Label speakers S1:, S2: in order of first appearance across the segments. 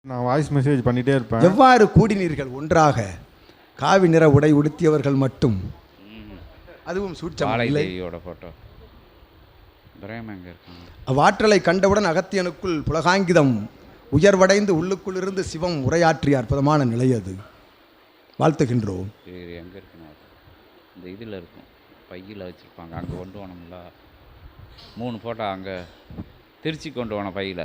S1: நான் voice message பண்ணிட்டே இருப்பேன்.
S2: எவ்வாறு கூடினீர்கள் ஒன்றாக? காவி நிற உடை உடுத்தியவர்கள் மட்டும், அதுவும் சூட்சம் இல்லை.
S3: போட்டோ
S2: அவ்வாற்றலை கண்டவுடன் அகத்தியனுக்குள் புலகாங்கிதம் உயர்வடைந்து உள்ளுக்குள் இருந்து சிவம் உரையாற்றிய அற்புதமான நிலை அது. வாழ்த்துகின்றோம்.
S3: எங்கே இருக்குன்னா இந்த இதில் இருக்கும், பையில் வச்சுருப்பாங்க, அங்கே கொண்டு போனோம்ல 3 ஃபோட்டோ அங்கே திருச்சி கொண்டு போன பையில்.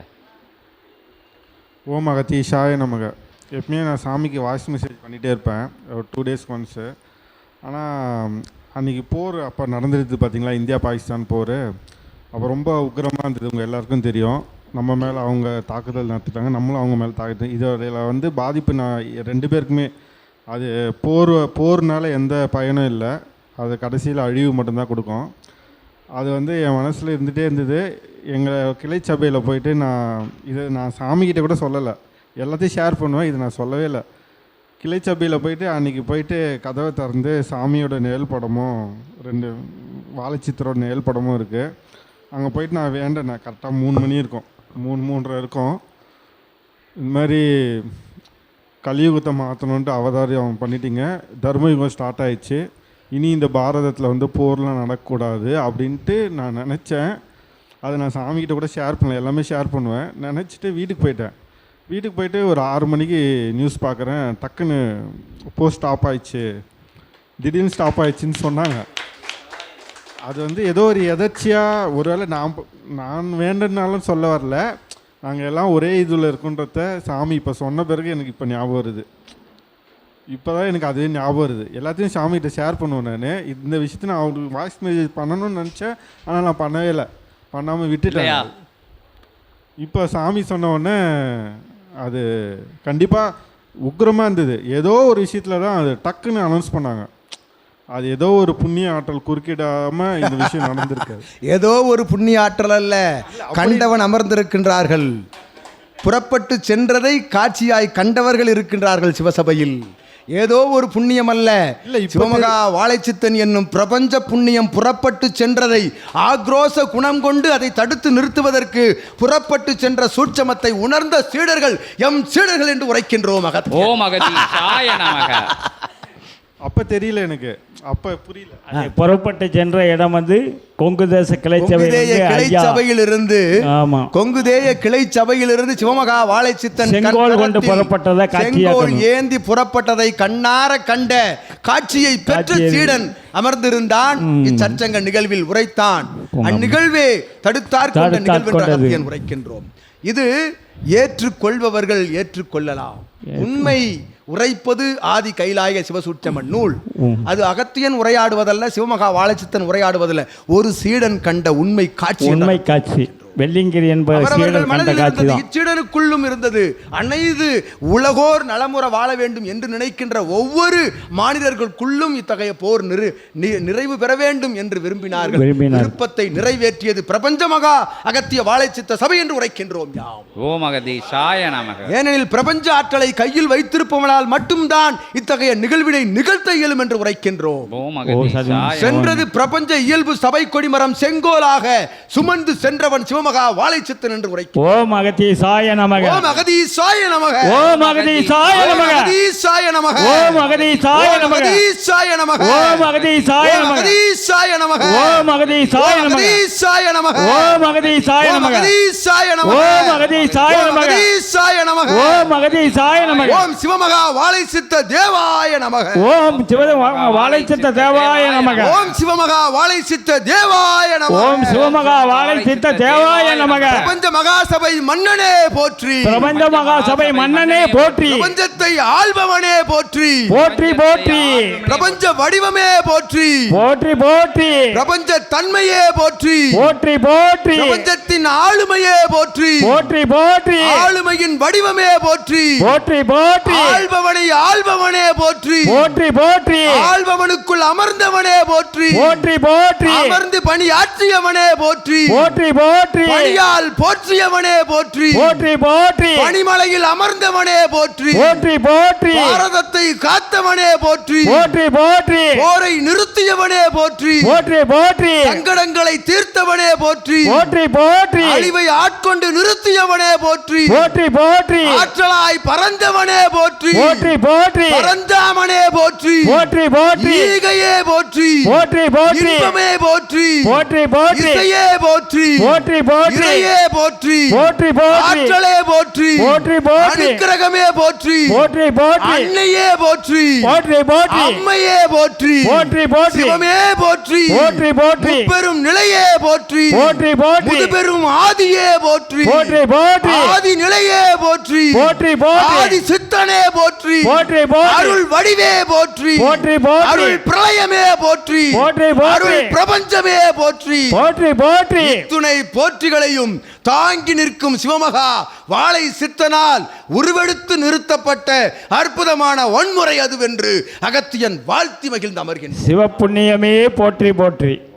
S1: ஓம் அகத்தீஷாய நமக. எப்பவுமே நான் சாமிக்கு வாய்ஸ் மெசேஜ் பண்ணிகிட்டே இருப்பேன், ஒரு 2 டேஸ்க்கு ஒன்ஸு. ஆனால் அன்றைக்கி போர் அப்போ நடந்துருது பார்த்தீங்களா, இந்தியா பாகிஸ்தான் போர். அப்போ ரொம்ப உக்கிரமாக இருந்தது, உங்கள் எல்லாருக்கும் தெரியும். நம்ம மேலே அவங்க தாக்குதல் நடத்திட்டாங்க, நம்மளும் அவங்க மேலே தாக்குதல். இதில் பாதிப்பு நான் 2 பேருக்குமே. அது போர்னால எந்த பயனும் இல்லை, அது கடைசியில் அழிவு மட்டும்தான் கொடுக்கும். அது என் மனசில் இருந்துகிட்டே இருந்தது. எங்கள் கிளை சபையில் போயிட்டு நான் சாமிக்கிட்ட கூட சொல்லலை, எல்லாத்தையும் ஷேர் பண்ணுவேன், இது நான் சொல்லவே இல்லை. கிளை சபையில் போயிட்டு அன்றைக்கி போயிட்டு கதவை திறந்து சாமியோட நிழல் படமும் 2 வாழைச்சித்திரோட நிழல் படமும் இருக்குது. அங்கே போயிட்டு நான் வேண்டேன். கரெக்டாக 3 மணி இருக்கும், 3:30 இருக்கும். இந்த மாதிரி கலியுகத்தை மாற்றணுன்ட்டு அவதாரம் பண்ணிட்டீங்க, தர்மயுகம் ஸ்டார்ட் ஆயிடுச்சு, இனி இந்த பாரதத்தில் போர்லாம் நடக்கக்கூடாது அப்படின்ட்டு நான் நினச்சேன். அதை நான் சாமிக்கிட்ட கூட ஷேர் பண்ணல, எல்லாமே ஷேர் பண்ணுவேன் நினச்சிட்டு வீட்டுக்கு போயிட்டேன். வீட்டுக்கு போயிட்டு ஒரு 6 மணிக்கு நியூஸ் பார்க்குறேன், டக்குன்னு போஸ்ட் ஸ்டாப் ஆயிடுச்சு, திடீர்னு ஸ்டாப் ஆயிடுச்சுன்னு சொன்னாங்க. அது ஏதோ ஒரு எதர்ச்சியாக, ஒருவேளை நான் வேண்டனாலும் சொல்ல வரல, நாங்கள் எல்லாம் ஒரே இதில் இருக்குன்றத சாமி இப்போ சொன்ன பிறகு எனக்கு இப்போ ஞாபகம் வருது. இப்போ தான் எனக்கு அதுவே ஞாபகம் வருது. எல்லாத்தையும் சாமிகிட்ட ஷேர் பண்ணுவேன். நான் இந்த விஷயத்தை நான் அவங்களுக்கு வாய்ஸ் மெசேஜ் பண்ணணும்னு நினச்சேன், ஆனால் நான் பண்ணவே இல்லை, பண்ணாமல் விட்டுட்டேன். இப்போ சாமி சொன்ன உடனே அது கண்டிப்பாக உக்கிரமாக இருந்தது. ஏதோ ஒரு விஷயத்தில் தான் அது டக்குன்னு அனௌன்ஸ் பண்ணாங்க. அது ஏதோ ஒரு புண்ணிய ஆற்றல் குறுக்கிடாமல் இந்த விஷயம் நடந்திருக்காது.
S2: ஏதோ ஒரு புண்ணிய ஆற்றல் அல்ல, கண்டவன் அமர்ந்திருக்கின்றார்கள். புறப்பட்டு சென்றதை காட்சியாய் கண்டவர்கள் இருக்கின்றார்கள் சிவசபையில். ஏதோ ஒரு புண்ணியம் அல்ல, சிவமகா வாழைச்சித்தன் என்னும் பிரபஞ்ச புண்ணியம் புறப்பட்டு சென்றதை ஆக்ரோஷ குணம் கொண்டு அதை தடுத்து நிறுத்துவதற்கு புறப்பட்டு சென்ற சூட்சமத்தை உணர்ந்த சீடர்கள் எம் சீடர்கள் என்று உரைக்கின்றோம்.
S1: அப்போ தெரியல எனக்கு, அப்போ புரியல.
S4: புறப்பட்டு சென்ற இடம் கொங்கு தேச கிளை
S2: சபையில் இருந்து, கொங்குதேய கிளை சபையில் இருந்து சிவமகா வாழைச்சித்தன்
S4: செங்கோல் கொண்டு புறப்பட்டதை,
S2: செங்கோல் ஏந்தி புறப்பட்டதை கண்ணார கண்ட காட்சியை பெற்ற சீடன் அமர்ந்திருந்தான். இச்சச்சங்க நிகழ்வில் உரைத்தான். அந்நிகழ்வே தடுத்தார் கொண்ட நிகழ்வு உரைக்கின்றோம். இது ஏற்றுக்கொள்பவர்கள் ஏற்றுக்கொள்ளலாம். உண்மை உரைப்பது ஆதி கைலாய சிவசூட்சம நூல். அது அகத்தியன் உரையாடுவதல்ல, சிவமகா வாழைச்சித்தன் உரையாடுவதில்லை. ஒரு சீடன் கண்ட உண்மை காட்சி
S4: வெள்ளிங்கிரி
S2: இச்சீடனுக்குள்ளும் இருந்தது. அனைத்து உலகோர் நலமுற வாழ வேண்டும் என்று நினைக்கின்ற ஒவ்வொரு மாநிலர்களுக்குள்ளும் இத்தகைய போர் நிறைவு பெற வேண்டும் என்று விரும்பினார்கள். விருப்பத்தை நிறைவேற்றியது பிரபஞ்ச மகா அகத்திய வாழைச்சித்த சபை என்று உரைக்கின்றோம். ஏனெனில் பிரபஞ்ச ஆற்றலை கையில் வைத்திருப்பவனால் மட்டும்தான் இத்தகைய நிகழ்வினை நிகழ்த்த இயலும் என்று உரைக்கின்றோம். சென்றது பிரபஞ்ச இயல்பு சபை கொடிமரம் செங்கோலாக சுமந்து சென்றவன் சிவமகா வாழைச்சித்தன் என்று உரைக்கிறார்.
S4: ஓம் அகதீசாய நமக.
S2: ஓம் அகதீசாய நமக.
S4: ஓம் அகதீசாய நமக.
S2: அகதீசாய நமக.
S4: ஓம் அகதீசாய நமக.
S2: அகதீசாய நமக.
S4: ஓம் அகதீசாய நமக.
S2: அகதீசாய நமக.
S4: ஓம் அகதீசாய நமக.
S2: அகதீசாய நமக.
S4: ஓம் அகதீசாய நமக.
S2: அகதீசாய நமக.
S4: ஓம் அகதீசாய நமக.
S2: அகதீசாய நமக.
S4: ஓம் அகதீசாய நமக.
S2: ஓம் சிவமகா வாழைச்சித்த தேவாய நமக.
S4: ஓம் சிவமகா வாழைச்சித்த தேவாய நமக.
S2: ஓம் சிவமகா வாழைச்சித்த தேவாய நமக.
S4: ஓம் சிவமகா வாழைச்சித்த தேவாய நமக.
S2: பிரபஞ்ச மகாசபை மன்னனே போற்றி.
S4: பிரபஞ்ச மகாசபை மன்னனே போற்றி.
S2: பிரபஞ்சத்தை ஆள்பவனே போற்றி.
S4: போற்றி போற்றி.
S2: பிரபஞ்ச வடிவமே போற்றி.
S4: போற்றி போற்றி.
S2: பிரபஞ்ச தன்மையே போற்றி.
S4: போற்றி போற்றி.
S2: பிரபஞ்சத்தின் ஆளுமையே போற்றி.
S4: போற்றி போற்றி.
S2: ஆளுமையின் வடிவமே போற்றி.
S4: போற்றி போற்றி.
S2: ஆள்பவனை ஆள்பவனே போற்றி.
S4: போற்றி போற்றி.
S2: ஆள்பவனுக்குள் அமர்ந்தவனே போற்றி.
S4: போற்றி போற்றி.
S2: அமர்ந்து பணியாற்றியவனே போற்றி.
S4: போற்றி போற்றி. போற்றி
S2: பணியால் போற்றியவனே போற்றி
S4: போற்றி போற்றி
S2: பனிமலையில் அமர்ந்தவனே போற்றி
S4: போற்றி போற்றி
S2: பாரதத்தை காத்தவனே போற்றி
S4: போற்றி போற்றி
S2: போரை நிறுத்தியவனே போற்றி
S4: போற்றி போற்றி
S2: சங்கடங்களை தீர்த்தவனே போற்றி
S4: போற்றி போற்றி
S2: அழிவை ஆட்கொண்டு நிறுத்தியவனே போற்றி
S4: போற்றி போற்றி
S2: ஆற்றலாய் பறந்தவனே போற்றி
S4: போற்றி போற்றி
S2: பரந்தாமனே போற்றி
S4: போற்றி போற்றி
S2: ஈகையே போற்றி
S4: போற்றி போற்றி
S2: இன்பமே போற்றி
S4: போற்றி போற்றி
S2: இசையே போற்றி
S4: போற்றி போற்றி
S2: இறையே போற்றி
S4: போற்றி போற்றி
S2: ஆற்றலே போற்றி
S4: போற்றி போற்றி
S2: அனுக்கிரகமே போற்றி
S4: போற்றி போற்றி
S2: அன்னையே போற்றி
S4: போற்றி போற்றி
S2: அம்மையே போற்றி
S4: போற்றி போற்றி
S2: சிவமே போற்றி
S4: போற்றி போற்றி
S2: பெரும் நிலையே போற்றி
S4: போற்றி போற்றி
S2: முதுபெரும் ஆதியே போற்றி
S4: போற்றி போற்றி
S2: ஆதி நிலையே போற்றி
S4: போற்றி போற்றி
S2: ஆதி சித்தனே போற்றி
S4: போற்றி போற்றி
S2: அருள் வடிவே போற்றி
S4: போற்றி போற்றி
S2: அருள் பிரளயமே போற்றி
S4: போற்றி போற்றி
S2: அருள் பிரபஞ்சமே போற்றி
S4: போற்றி போற்றி
S2: துணை போற்றிகளையும் தாங்கி நிற்கும் சிவமகா வாழை சித்தனால் உருவெடுத்து நிறுத்தப்பட்ட அற்புதமான வன்முறை அதுவென்று அகத்தியன் வாழ்த்தி மகிழ்ந்து அமர்கின்றார்.
S4: சிவப்புண்ணியமே போற்றி போற்றி